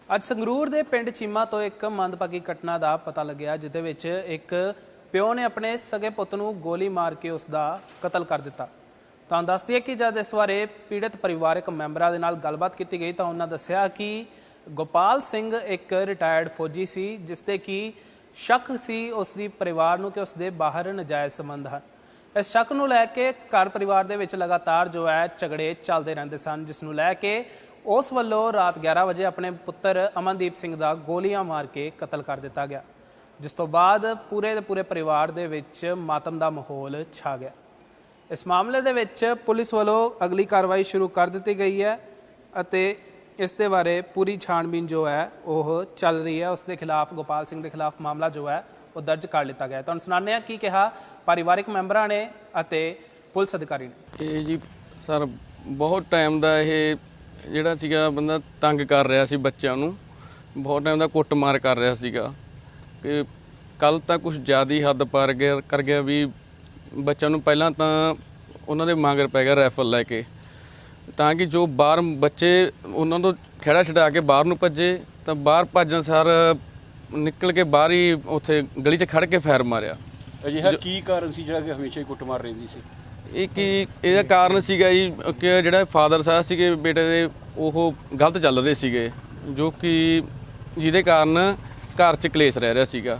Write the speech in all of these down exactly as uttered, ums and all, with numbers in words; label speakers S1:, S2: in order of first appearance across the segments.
S1: ਅੱਜ ਸੰਗਰੂਰ ਦੇ ਪਿੰਡ ਚੀਮਾ ਤੋਂ ਇੱਕ ਮੰਦਭਾਗੀ ਘਟਨਾ ਦਾ ਪਤਾ ਲੱਗਿਆ, ਜਿਦੇ ਵਿੱਚ ਇੱਕ ਪਿਓ ਨੇ ਆਪਣੇ ਸਗੇ ਪੁੱਤ ਨੂੰ ਗੋਲੀ ਮਾਰ ਕੇ ਉਸ ਦਾ ਕਤਲ ਕਰ ਦਿੱਤਾ। ਤਾਂ ਦੱਸ ਦਈਏ ਕਿ ਜਦ ਇਸ ਬਾਰੇ ਪੀੜਤ ਪਰਿਵਾਰਕ ਮੈਂਬਰਾਂ ਦੇ ਨਾਲ ਗੱਲਬਾਤ ਕੀਤੀ ਗਈ ਤਾਂ ਉਹਨਾਂ ਦੱਸਿਆ ਕਿ ਗੋਪਾਲ ਸਿੰਘ ਇੱਕ ਰਿਟਾਇਰਡ ਫੌਜੀ ਸੀ, ਜਿਸ ਤੇ ਕਿ ਸ਼ੱਕ ਸੀ ਉਸ ਦੀ ਪਰਿਵਾਰ ਨੂੰ ਕਿ ਉਸ ਦੇ ਬਾਹਰ ਨਜਾਇਜ਼ ਸੰਬੰਧ ਹਨ। ਇਸ ਸ਼ੱਕ ਨੂੰ ਲੈ ਕੇ ਘਰ ਪਰਿਵਾਰ ਦੇ ਵਿੱਚ ਲਗਾਤਾਰ ਜੋ ਹੈ ਝਗੜੇ ਚੱਲਦੇ ਰਹਿੰਦੇ ਸਨ, ਜਿਸ ਨੂੰ ਲੈ ਕੇ ਉਸ ਵੱਲੋਂ ਰਾਤ ਗਿਆਰਾਂ ਵਜੇ ਆਪਣੇ ਪੁੱਤਰ ਅਮਨਦੀਪ ਸਿੰਘ ਦਾ ਗੋਲੀਆਂ ਮਾਰ ਕੇ ਕਤਲ ਕਰ ਦਿੱਤਾ ਗਿਆ, ਜਿਸ ਤੋਂ ਬਾਅਦ ਪੂਰੇ ਦੇ ਪੂਰੇ ਪਰਿਵਾਰ ਦੇ ਵਿੱਚ ਮਾਤਮ ਦਾ ਮਾਹੌਲ ਛਾ ਗਿਆ। ਇਸ ਮਾਮਲੇ ਦੇ ਵਿੱਚ ਪੁਲਿਸ ਵੱਲੋਂ ਅਗਲੀ ਕਾਰਵਾਈ ਸ਼ੁਰੂ ਕਰ ਦਿੱਤੀ ਗਈ ਹੈ ਅਤੇ ਇਸ ਦੇ ਬਾਰੇ ਪੂਰੀ ਛਾਣਬੀਨ ਜੋ ਹੈ ਉਹ ਚੱਲ ਰਹੀ ਹੈ। ਉਸ ਦੇ ਖਿਲਾਫ, ਗੋਪਾਲ ਸਿੰਘ ਦੇ ਖਿਲਾਫ ਮਾਮਲਾ ਜੋ ਹੈ ਉਹ ਦਰਜ ਕਰ ਲਿੱਤਾ ਗਿਆ। ਤੁਹਾਨੂੰ ਸੁਣਾਉਂਦੇ ਹਾਂ ਕੀ ਕਿਹਾ ਪਰਿਵਾਰਕ ਮੈਂਬਰਾਂ ਨੇ ਅਤੇ ਪੁਲਿਸ ਅਧਿਕਾਰੀ ਨੇ।
S2: ਇਹ ਜੀ ਸਰ ਬਹੁਤ ਟਾਈਮ ਦਾ ਇਹ ਜਿਹੜਾ ਸੀਗਾ ਬੰਦਾ ਤੰਗ ਕਰ ਰਿਹਾ ਸੀ ਬੱਚਿਆਂ ਨੂੰ, ਬਹੁਤ ਟਾਈਮ ਦਾ ਕੁੱਟਮਾਰ ਕਰ ਰਿਹਾ ਸੀਗਾ ਕਿ ਕੱਲ ਤਾਂ ਕੁਝ ਜ਼ਿਆਦਾ ਹੀ ਹੱਦ ਪਾਰ ਗਿਆ ਕਰ ਗਿਆ ਵੀ ਬੱਚਿਆਂ ਨੂੰ ਪਹਿਲਾਂ ਤਾਂ ਉਹਨਾਂ ਦੇ ਮਗਰ ਪੈ ਗਿਆ ਰਾਈਫਲ ਲੈ ਕੇ, ਤਾਂ ਕਿ ਜੋ ਬਾਹਰ ਬੱਚੇ ਉਹਨਾਂ ਤੋਂ ਖੇੜਾ ਛਡਾ ਕੇ ਬਾਹਰ ਨੂੰ ਭੱਜੇ ਤਾਂ ਬਾਹਰ ਭੱਜਣ ਸਾਰ ਨਿਕਲ ਕੇ ਬਾਹਰ ਹੀ ਉੱਥੇ ਗਲੀ 'ਚ ਖੜ ਕੇ ਫਾਇਰ ਮਾਰਿਆ।
S3: ਅਜਿਹਾ ਕੀ ਕਾਰਨ ਸੀ ਜਿਹੜਾ ਕਿ ਹਮੇਸ਼ਾ ਹੀ ਕੁੱਟਮਾਰ ਰਹਿੰਦੀ ਸੀ?
S2: ਇਹ ਕੀ ਇਹਦਾ ਕਾਰਨ ਸੀਗਾ ਜੀ ਕਿ ਜਿਹੜਾ ਫਾਦਰ ਸਾਹਿਬ ਸੀਗੇ ਬੇਟੇ ਦੇ ਉਹ ਗਲਤ ਚੱਲ ਰਹੇ ਸੀਗੇ, ਜੋ ਕਿ ਜਿਹਦੇ ਕਾਰਨ ਘਰ 'ਚ ਕਲੇਸ਼ ਰਹਿ ਰਿਹਾ ਸੀਗਾ।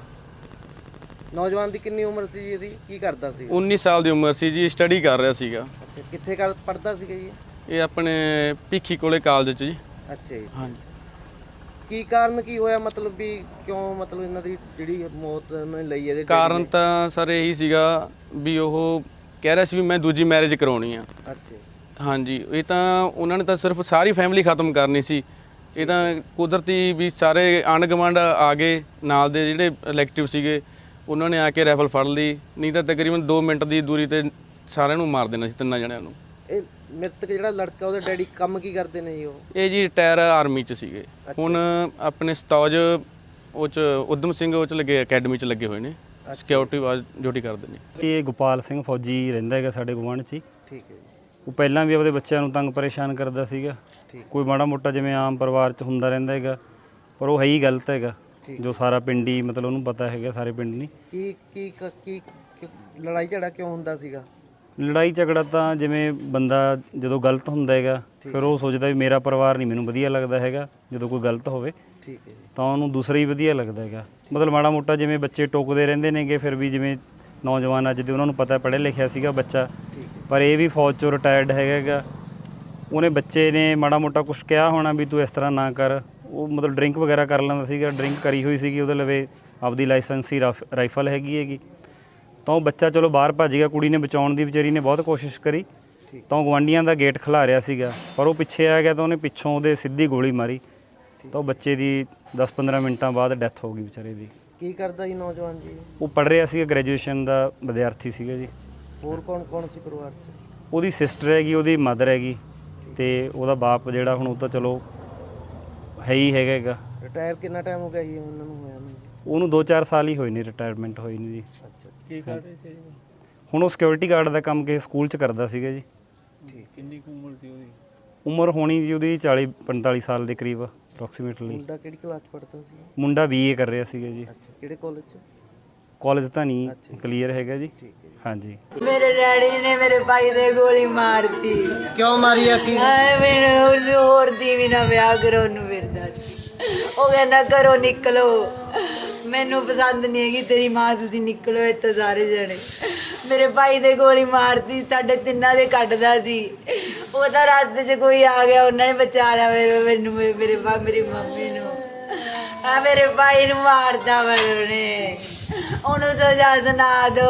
S4: ਨੌਜਵਾਨ ਦੀ ਕਿੰਨੀ ਉਮਰ ਸੀ ਜੀ? ਇਹਦੀ ਕੀ ਕਰਦਾ ਸੀ?
S2: ਉੱਨੀ ਸਾਲ ਦੀ ਉਮਰ ਸੀ ਜੀ, ਸਟੱਡੀ ਕਰ ਰਿਹਾ ਸੀਗਾ।
S4: ਅੱਛਾ, ਕਿੱਥੇ ਕਰ ਪੜਦਾ ਸੀਗਾ ਜੀ?
S2: ਇਹ ਆਪਣੇ ਭੀਖੀ ਕੋਲੇ ਕਾਲਜ 'ਚ ਜੀ।
S4: ਅੱਛਾ ਜੀ।
S2: ਹਾਂਜੀ।
S4: ਕੀ ਕਾਰਨ ਕੀ ਹੋਇਆ, ਮਤਲਬ ਵੀ ਕਿਉਂ ਮਤਲਬ ਇਹਨਾਂ ਦੀ ਜਿਹੜੀ ਮੌਤ ਉਹਨਾਂ ਨੇ ਲਈ ਇਹਦੇ?
S2: ਕਾਰਨ ਤਾਂ ਸਰ ਇਹੀ ਸੀਗਾ ਵੀ ਉਹ ਕਹਿ ਰਿਹਾ ਸੀ ਵੀ ਮੈਂ ਦੂਜੀ ਮੈਰਿਜ ਕਰਾਉਣੀ ਆ।
S4: ਅੱਛਾ।
S2: ਹਾਂਜੀ, ਇਹ ਤਾਂ ਉਹਨਾਂ ਨੇ ਤਾਂ ਸਿਰਫ ਸਾਰੀ ਫੈਮਿਲੀ ਖਤਮ ਕਰਨੀ ਸੀ। ਇਹ ਤਾਂ ਕੁਦਰਤੀ ਵੀ ਸਾਰੇ ਆਂਢ ਗੁਆਂਢ ਆ ਗਏ, ਨਾਲ ਦੇ ਜਿਹੜੇ ਇਲੈਕਟਿਵ ਸੀਗੇ ਉਹਨਾਂ ਨੇ ਆ ਕੇ ਰਾਈਫਲ ਫੜ ਲਈ, ਨਹੀਂ ਤਾਂ ਤਕਰੀਬਨ ਦੋ ਮਿੰਟ ਦੀ ਦੂਰੀ ਤੇ ਸਾਰਿਆਂ ਨੂੰ ਮਾਰ ਦੇਣਾ ਸੀ, ਤਿੰਨਾਂ ਜਣਿਆਂ ਨੂੰ।
S4: ਇਹ ਮ੍ਰਿਤਕ ਜਿਹੜਾ ਲੜਕਾ, ਉਹਦੇ ਡੈਡੀ ਕੰਮ ਕੀ ਕਰਦੇ ਨੇ ਜੀ? ਉਹ
S2: ਇਹ ਜੀ ਰਿਟਾਇਰ ਆਰਮੀ 'ਚ ਸੀਗੇ, ਹੁਣ ਆਪਣੇ ਸਤੌਜ ਉਹ 'ਚ ਉਦਮ ਸਿੰਘ ਉਹ 'ਚ ਲੱਗੇ, ਅਕੈਡਮੀ 'ਚ ਲੱਗੇ ਹੋਏ ਨੇ, ਸਿਕਿਉਰਿਟੀ ਵਾਜ ਡਿਊਟੀ ਕਰਦੇ ਨੇ।
S5: ਇਹ ਗੋਪਾਲ ਸਿੰਘ ਫੌਜੀ ਰਹਿੰਦਾ ਹੈਗਾ ਸਾਡੇ ਗੁਆਂਢ 'ਚ ਹੀ।
S4: ਠੀਕ ਹੈ ਜੀ।
S5: ਉਹ ਪਹਿਲਾਂ ਵੀ ਆਪਦੇ ਬੱਚਿਆਂ ਨੂੰ ਤੰਗ ਪਰੇਸ਼ਾਨ ਕਰਦਾ ਸੀਗਾ, ਕੋਈ ਮਾੜਾ ਮੋਟਾ ਜਿਵੇਂ ਆਮ ਪਰਿਵਾਰ 'ਚ ਹੁੰਦਾ ਰਹਿੰਦਾ ਹੈਗਾ, ਪਰ ਉਹ ਹੈ ਹੀ ਗਲਤ ਹੈਗਾ, ਜੋ ਸਾਰਾ ਪਿੰਡ ਹੀ ਮਤਲਬ ਉਹਨੂੰ ਪਤਾ ਹੈਗਾ, ਸਾਰੇ ਪਿੰਡ ਨਹੀਂ।
S4: ਕੀ ਕੀ ਕੀ ਲੜਾਈ ਝਗੜਾ ਕਿਉਂ ਹੁੰਦਾ ਸੀਗਾ?
S5: ਲੜਾਈ ਝਗੜਾ ਤਾਂ ਜਿਵੇਂ ਬੰਦਾ ਜਦੋਂ ਗਲਤ ਹੁੰਦਾ ਹੈਗਾ ਫਿਰ ਉਹ ਸੋਚਦਾ ਵੀ ਮੇਰਾ ਪਰਿਵਾਰ ਨਹੀਂ ਮੈਨੂੰ ਵਧੀਆ ਲੱਗਦਾ ਹੈਗਾ, ਜਦੋਂ ਕੋਈ ਗਲਤ ਹੋਵੇ
S4: ਠੀਕ ਹੈ
S5: ਤਾਂ ਉਹਨੂੰ ਦੂਸਰਾ ਹੀ ਵਧੀਆ ਲੱਗਦਾ ਹੈਗਾ। ਮਤਲਬ ਮਾੜਾ ਮੋਟਾ ਜਿਵੇਂ ਬੱਚੇ ਟੋਕਦੇ ਰਹਿੰਦੇ ਨੇਗੇ, ਫਿਰ ਵੀ ਜਿਵੇਂ ਨੌਜਵਾਨ ਅੱਜ ਦੇ ਉਹਨਾਂ ਨੂੰ ਪਤਾ ਪੜ੍ਹਿਆ ਲਿਖਿਆ ਸੀਗਾ ਬੱਚਾ, ਪਰ ਇਹ ਵੀ ਫੌਜ 'ਚੋਂ ਰਿਟਾਇਰਡ ਹੈਗਾ। ਉਹਨੇ ਬੱਚੇ ਨੇ ਮਾੜਾ ਮੋਟਾ ਕੁਛ ਕਿਹਾ ਹੋਣਾ ਵੀ ਤੂੰ ਇਸ ਤਰ੍ਹਾਂ ਨਾ ਕਰ। ਉਹ ਮਤਲਬ ਡਰਿੰਕ ਵਗੈਰਾ ਕਰ ਲੈਂਦਾ ਸੀਗਾ, ਡਰਿੰਕ ਕਰੀ ਹੋਈ ਸੀਗੀ, ਉਹਦੇ ਲਵੇ ਆਪਦੀ ਲਾਇਸੈਂਸੀ ਰਾਈਫਲ ਹੈਗੀ ਹੈਗੀ। ਤਾਂ ਉਹ ਬੱਚਾ ਚਲੋ ਬਾਹਰ ਭੱਜ ਗਿਆ, ਕੁੜੀ ਨੇ ਬਚਾਉਣ ਦੀ ਵਿਚਾਰੀ ਨੇ ਬਹੁਤ ਕੋਸ਼ਿਸ਼ ਕਰੀ, ਤਾਂ ਉਹ ਗੁਆਂਢੀਆਂ ਦਾ ਗੇਟ ਖਿਲਾ ਰਿਹਾ ਸੀਗਾ, ਪਰ ਉਹ ਪਿੱਛੇ ਆ ਗਿਆ ਤਾਂ ਉਹਨੇ ਪਿੱਛੋਂ ਉਹਦੇ ਸਿੱਧੀ ਗੋਲੀ ਮਾਰੀ, ਤਾਂ ਉਹ ਬੱਚੇ ਦੀ ਦਸ ਪੰਦਰਾਂ ਮਿੰਟਾਂ ਬਾਅਦ ਡੈਥ ਹੋ ਗਈ ਵਿਚਾਰੇ ਦੀ।
S4: ਕੀ ਕਰਦਾ ਜੀ ਨੌਜਵਾਨ ਜੀ?
S5: ਉਹ ਪੜ੍ਹ ਰਿਹਾ ਸੀਗਾ, ਗ੍ਰੈਜੂਏਸ਼ਨ ਦਾ ਵਿਦਿਆਰਥੀ ਸੀਗਾ ਜੀ।
S4: ਹੋਰ ਕੌਣ ਕੌਣ ਸੀ ਪਰਿਵਾਰ 'ਚ?
S5: ਉਹਦੀ ਸਿਸਟਰ ਹੈਗੀ, ਉਹਦੀ ਮਦਰ ਹੈਗੀ, ਤੇ ਉਹਦਾ ਬਾਪ ਜਿਹੜਾ ਹੁਣ ਉਹ ਤਾਂ ਚਲੋ ਹੈ ਹੀ ਹੈਗਾ ਹੈਗਾ।
S4: ਰਿਟਾਇਰ ਕਿੰਨਾ ਟਾਈਮ ਹੋ ਗਿਆ ਜੀ ਉਹਨਾਂ ਨੂੰ ਹੋਇਆ ਨੂੰ?
S5: ਉਹਨੂੰ ਦੋ ਚਾਰ ਸਾਲ ਹੀ ਹੋਏ ਨੇ ਰਿਟਾਇਰਮੈਂਟ ਹੋਈ ਨੂੰ ਜੀ।
S4: ਅੱਛਾ।
S5: ਕੀ ਕਰ ਰਹੇ ਸੀ ਹੁਣ? ਉਹ ਸਿਕਿਉਰਿਟੀ ਗਾਰਡ ਦਾ ਕੰਮ ਕਿਸੇ ਸਕੂਲ 'ਚ ਕਰਦਾ ਸੀਗਾ ਜੀ।
S4: ਠੀਕ।
S5: ਕਿੰਨੀ ਕੁ ਉਮਰ ਸੀ ਉਹਦੀ? ਉਮਰ ਹੋਣੀ ਜੀ ਉਹਦੀ ਚਾਲੀ ਪੰਤਾਲੀ ਸਾਲ ਦੇ ਕਰੀਬ ਅਪਰੋਕਸੀਮੇਟਲੀ।
S4: ਮੁੰਡਾ ਕਿਹੜੀ ਕਲਾਸ 'ਚ ਪੜ੍ਹਦਾ ਸੀ?
S5: ਮੁੰਡਾ ਬੀ ਏ ਕਰ ਰਿਹਾ ਸੀਗਾ ਜੀ।
S4: ਅੱਛਾ, ਕਿਹੜੇ ਕਾਲਜ 'ਚ?
S5: ਕਾਲਜ ਤਾਂ ਨਹੀਂ ਕਲੀਅਰ ਹੈਗਾ ਜੀ।
S4: ਠੀਕ ਹੈ।
S5: ਹਾਂਜੀ।
S6: ਮੇਰੇ ਡੈਡੀ ਨੇ ਮੇਰੇ ਭਾਈ ਦੇ ਗੋਲੀ ਮਾਰਤੀ।
S4: ਕਿਉਂ ਮਾਰੀ ਆ? ਕੀ
S6: ਐ ਮੈਨੂੰ ਹੋਰ ਦੀ ਵੀ ਨਾ ਵਿਆਹ ਕਰੋ ਨੂੰ ਫਿਰਦਾ ਸੀ। ਉਹ ਕਹਿੰਦਾ ਘਰੋਂ ਨਿਕਲੋ, ਮੈਨੂੰ ਪਸੰਦ ਨਹੀਂ ਹੈਗੀ ਤੇਰੀ ਮਾਂ, ਤੁਸੀਂ ਨਿਕਲੋ ਇੱਥੋਂ ਸਾਰੇ ਜਣੇ। ਮੇਰੇ ਭਾਈ ਦੇ ਗੋਲੀ ਮਾਰਤੀ, ਸਾਡੇ ਤਿੰਨਾਂ ਦੇ ਕੱਢਦਾ ਸੀ। ਉਹ ਤਾਂ ਰਸਤੇ 'ਚ ਕੋਈ ਆ ਗਿਆ, ਉਹਨਾਂ ਨੇ ਬਚਾ ਲਿਆ ਮੈਨੂੰ, ਮੇਰੇ ਬਾ ਮੇਰੀ ਮੰਮੀ ਨੂੰ। ਆ ਮੇਰੇ ਭਾਈ ਨੂੰ ਮਾਰਦਾ ਉਹਨੇ, ਉਹਨੂੰ ਸਜ਼ਾ ਸੁਣਾ ਦੋ,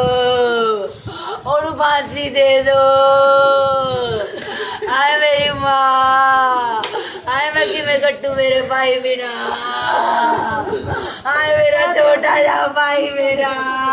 S6: ਉਹਨੂੰ ਫਾਂਸੀ ਦੇ ਦੋ। ਆਏ ਮੇਰੀ ਮਾਂ, ਆਏ ਮੈਂ ਕਿਵੇਂ ਕੱਟੂ ਮੇਰੇ ਭਾਈ ਬਿਨਾ। ਆਏ ਮੇਰਾ ਛੋਟਾ ਜਿਹਾ ਭਾਈ ਮੇਰਾ,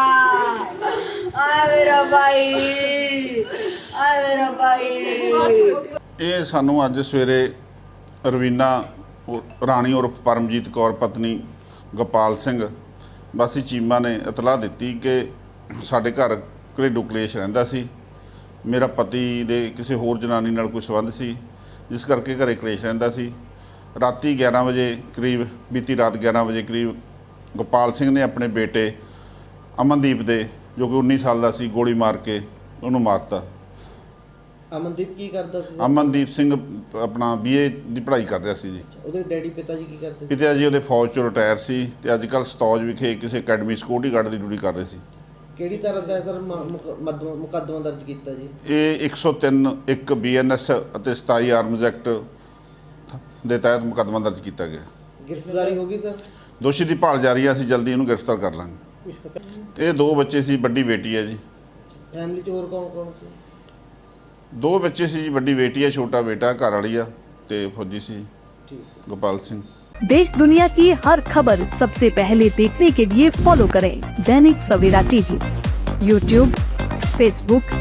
S6: ਆਏ ਮੇਰਾ ਭਾਈ, ਆਏ ਮੇਰਾ ਭਾਈ।
S7: ਇਹ ਸਾਨੂੰ ਅੱਜ ਸਵੇਰੇ ਰਵੀਨਾ ਰਾਣੀ ਉਰਫ ਪਰਮਜੀਤ ਕੌਰ ਪਤਨੀ ਗੋਪਾਲ ਸਿੰਘ ਵਾਸੀ ਚੀਮਾ ਨੇ ਇਤਲਾਹ ਦਿੱਤੀ ਕਿ ਸਾਡੇ ਘਰ ਘਰੇਲੂ ਕਲੇਸ਼ ਰਹਿੰਦਾ ਸੀ। ਮੇਰਾ ਪਤੀ ਦੇ ਕਿਸੇ ਹੋਰ ਜਨਾਨੀ ਨਾਲ ਕੋਈ ਸੰਬੰਧ ਸੀ, ਜਿਸ ਕਰਕੇ ਘਰੇ ਕਲੇਸ਼ ਰਹਿੰਦਾ ਸੀ। ਰਾਤੀ ਗਿਆਰਾਂ ਵਜੇ ਕਰੀਬ, ਬੀਤੀ ਰਾਤ ਗਿਆਰਾਂ ਵਜੇ ਕਰੀਬ ਗੋਪਾਲ ਸਿੰਘ ਨੇ ਆਪਣੇ ਬੇਟੇ ਅਮਨਦੀਪ ਦੇ, ਜੋ ਕਿ ਉੱਨੀ ਸਾਲ ਦਾ ਸੀ, ਗੋਲੀ ਮਾਰ ਕੇ ਉਹਨੂੰ ਮਾਰਤਾ।
S4: ਅਮਨਦੀਪ ਕੀ ਕਰਦਾ ਸੀ?
S7: ਅਮਨਦੀਪ ਸਿੰਘ ਆਪਣਾ ਬੀਏ ਦੀ ਪੜ੍ਹਾਈ ਕਰ ਰਿਹਾ ਸੀ ਜੀ।
S4: ਉਹਦੇ ਡੈਡੀ ਪਿਤਾ ਜੀ ਕੀ ਕਰਦੇ ਸੀ?
S7: ਪਿਤਾ ਜੀ ਉਹਦੇ ਫੌਜ ਚੋਂ ਰਿਟਾਇਰ ਸੀ ਤੇ ਅੱਜ ਕੱਲ੍ਹ ਸਤੌਜ ਵਿਖੇ ਕਿਸੇ ਅਕੈਡਮੀ ਸਿਕਿਉਰਿਟੀ ਗਾਰਡ ਦੀ ਡਿਊਟੀ ਕਰ ਰਹੇ ਸੀ।
S4: ਕਿਹੜੀ ਤਰ੍ਹਾਂ ਦਾ ਸਰ ਮੁਕੱਦਮਾ ਦਰਜ ਕੀਤਾ ਜੀ?
S7: ਇਹ ਇੱਕ ਸੌ ਤਿੰਨ ਇੱਕ ਬੀ ਐਨ ਐਸ ਅਤੇ ਸਤਾਈ ਆਰਮਜ਼ ਐਕਟ ਦੇ ਤਹਿਤ ਮੁਕੱਦਮਾ ਦਰਜ ਕੀਤਾ ਗਿਆ।
S4: ਗ੍ਰਿਫਤਾਰੀ ਹੋ ਗਈ ਸਰ?
S7: ਦੋਸ਼ੀ ਦੀ ਭਾਲ ਜਾਰੀ ਹੈ, ਅਸੀਂ ਜਲਦੀ ਇਹਨੂੰ ਗ੍ਰਿਫਤਾਰ ਕਰ ਲਾਂਗੇ। ਇਹ ਦੋ ਬੱਚੇ ਸੀ, ਵੱਡੀ ਬੇਟੀ ਹੈ ਜੀ।
S4: ਫੈਮਿਲੀ 'ਚ ਹੋਰ ਕੌਣ ਕੌਣ ਸੀ?
S7: ਦੋ ਬੱਚੇ ਸੀ ਜੀ, ਵੱਡੀ ਬੇਟੀ ਹੈ, ਛੋਟਾ ਬੇਟਾ, ਘਰ ਵਾਲੀ ਆ ਤੇ ਫੌਜੀ ਸੀ
S4: ਠੀਕ।
S7: गोपाल सिंह।
S8: देश दुनिया की हर खबर सबसे पहले देखने के लिए फॉलो करें Dainik Savera TV, YouTube, Facebook,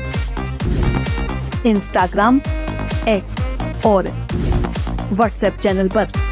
S8: Instagram, X और व्हाट्सएप चैनल पर।